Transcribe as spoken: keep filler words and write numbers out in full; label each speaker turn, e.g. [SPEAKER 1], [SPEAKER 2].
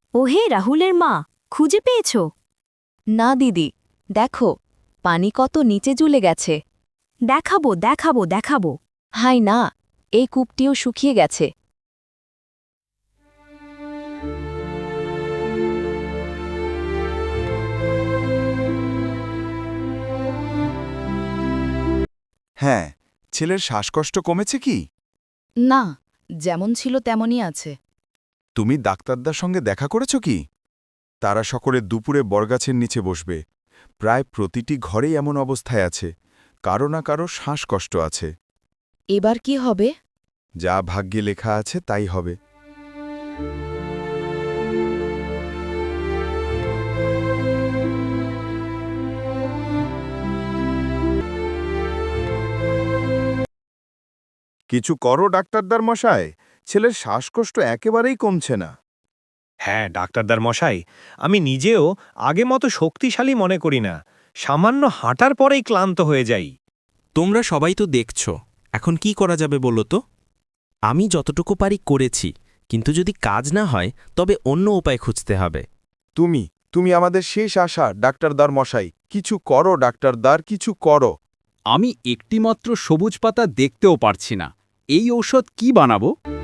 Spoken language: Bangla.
[SPEAKER 1] ওহে রাহুলের মা, খুঁজে পেয়েছ?
[SPEAKER 2] না দিদি, দেখো পানি কত নিচে ঝুলে গেছে।
[SPEAKER 1] দেখাবো দেখাবো দেখাবো।
[SPEAKER 2] হাই না, এই কূপটিও শুকিয়ে গেছে।
[SPEAKER 3] হ্যাঁ, ছেলের শ্বাসকষ্ট কমেছে কি?
[SPEAKER 4] না, যেমন ছিল তেমনই আছে।
[SPEAKER 3] তুমি ডাক্তারদার সঙ্গে দেখা করেছ কি? তারা সকলে দুপুরে বরগাছের নিচে বসবে। প্রায় প্রতিটি ঘরেই এমন অবস্থায় আছে, কারো না কারো শ্বাসকষ্ট আছে।
[SPEAKER 4] এবার কি হবে?
[SPEAKER 3] যা ভাগ্যে লেখা আছে তাই হবে। কিছু করো ডাক্তারদার মশায়, ছেলের শ্বাসকষ্ট একেবারেই কমছে না।
[SPEAKER 5] হ্যাঁ ডাক্তারদার মশাই, আমি নিজেও আগে মতো শক্তিশালী মনে করি না। সামান্য হাঁটার পরেই ক্লান্ত হয়ে যাই।
[SPEAKER 6] তোমরা সবাই তো দেখছ, এখন কি করা যাবে বলো তো? আমি যতটুকু পারি করেছি, কিন্তু যদি কাজ না হয় তবে অন্য উপায় খুঁজতে হবে।
[SPEAKER 3] তুমি তুমি আমাদের শেষ আশা ডাক্তারদার মশাই, কিছু করো ডাক্তারদার, কিছু করো।
[SPEAKER 7] আমি একটিমাত্র সবুজ পাতা দেখতেও পারছি না। এই ঔষধ কি বানাবো?